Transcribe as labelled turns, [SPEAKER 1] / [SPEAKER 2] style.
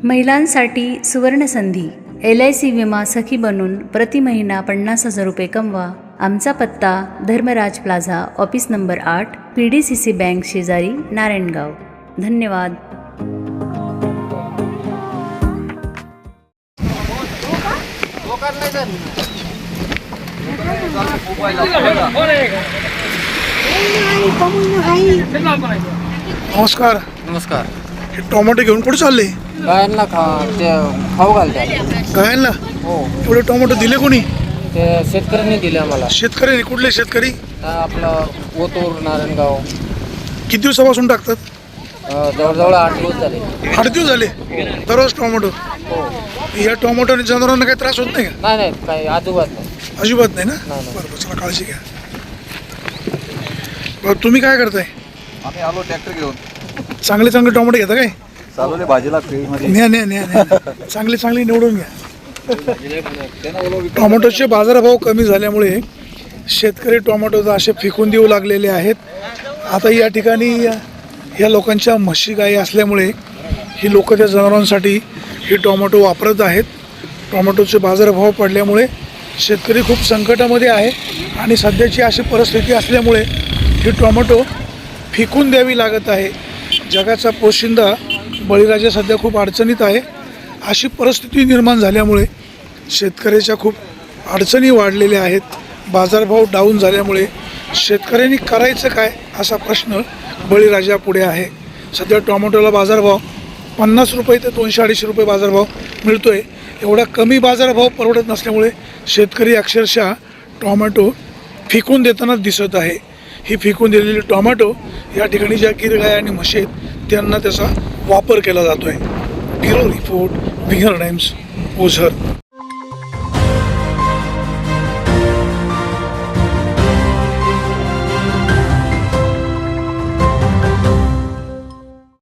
[SPEAKER 1] महिलांसाठी सुवर्णसंधी LIC विमा सखी बनून प्रति महिना 50,000 रुपये कमवा। आमचा पत्ता Dharmaraj plaza, office number 8, PDCC bank शेजारी, नारायणगाव। धन्यवाद।
[SPEAKER 2] नमस्कार।
[SPEAKER 3] नमस्कार।
[SPEAKER 2] हे टोमॅटो घेऊन कुठे चालले?
[SPEAKER 3] गायांना खाऊ घालतात।
[SPEAKER 2] गायांना?
[SPEAKER 3] हो।
[SPEAKER 2] एवढे टोमॅटो दिले कोणी?
[SPEAKER 3] ते शेतकऱ्यांनी दिले आम्हाला।
[SPEAKER 2] शेतकऱ्यांनी? कुठले शेतकरी?
[SPEAKER 3] आपलं ओतूर, नारायणगाव।
[SPEAKER 2] किती दिवसापासून टाकतात?
[SPEAKER 3] जवळजवळ 8 दिवस झाले।
[SPEAKER 2] 8 दिवस झाले दररोज टोमॅटो?
[SPEAKER 3] हो।
[SPEAKER 2] या टोमॅटोने जनावरांना काही त्रास होत नाही का?
[SPEAKER 3] नाही नाही, काही अजिबात नाही।
[SPEAKER 2] अजिबात नाही ना?
[SPEAKER 3] नाही.
[SPEAKER 2] बरोबर, चला काळजी घ्या। बरं, तुम्ही काय करताय?
[SPEAKER 4] आम्ही आलो ट्रॅक्टर घेऊन।
[SPEAKER 2] चांगले चांगले टोमॅटो घेता काय?
[SPEAKER 4] चालवले भाजीला फील्डमध्ये।
[SPEAKER 2] न्या चांगले चांगले निवडून घ्या। टोमॅटोचे बाजारभाव कमी झाल्यामुळे शेतकरी टोमॅटो असे फेकून देऊ लागलेले आहेत। आता या ठिकाणी या लोकांच्या म्हशी गाई असल्यामुळे ही लोक त्या जनावरांसाठी ही टोमॅटो वापरत आहेत। टोमॅटोचे बाजारभाव पडल्यामुळे शेतकरी खूप संकटामध्ये आहे आणि सध्याची अशी परिस्थिती असल्यामुळे ही टोमॅटो फेकून द्यावी लागत आहे। जगाचा पोशिंदा बळीराजा सध्या खूप अडचणीत आहे। अशी परिस्थिती निर्माण झाल्यामुळे शेतकऱ्याच्या खूप अडचणी वाढलेल्या आहेत। बाजारभाव डाऊन झाल्यामुळे शेतकऱ्यांनी करायचं काय असा प्रश्न बळीराजापुढे आहे। सध्या टोमॅटोला बाजारभाव 50 रुपये ते 200-250 रुपये बाजारभाव मिळतो आहे। एवढा कमी बाजारभाव परवडत नसल्यामुळे शेतकरी अक्षरशः टोमॅटो फेकून देताना दिसत आहे। ही फेकून दिलेली टोमॅटो या ठिकाणी ज्या गिरगाय आणि म्हशी आहेत त्यांना त्याचा वापर केला जातो आहे। Bureau report, Winger Times, Ozar.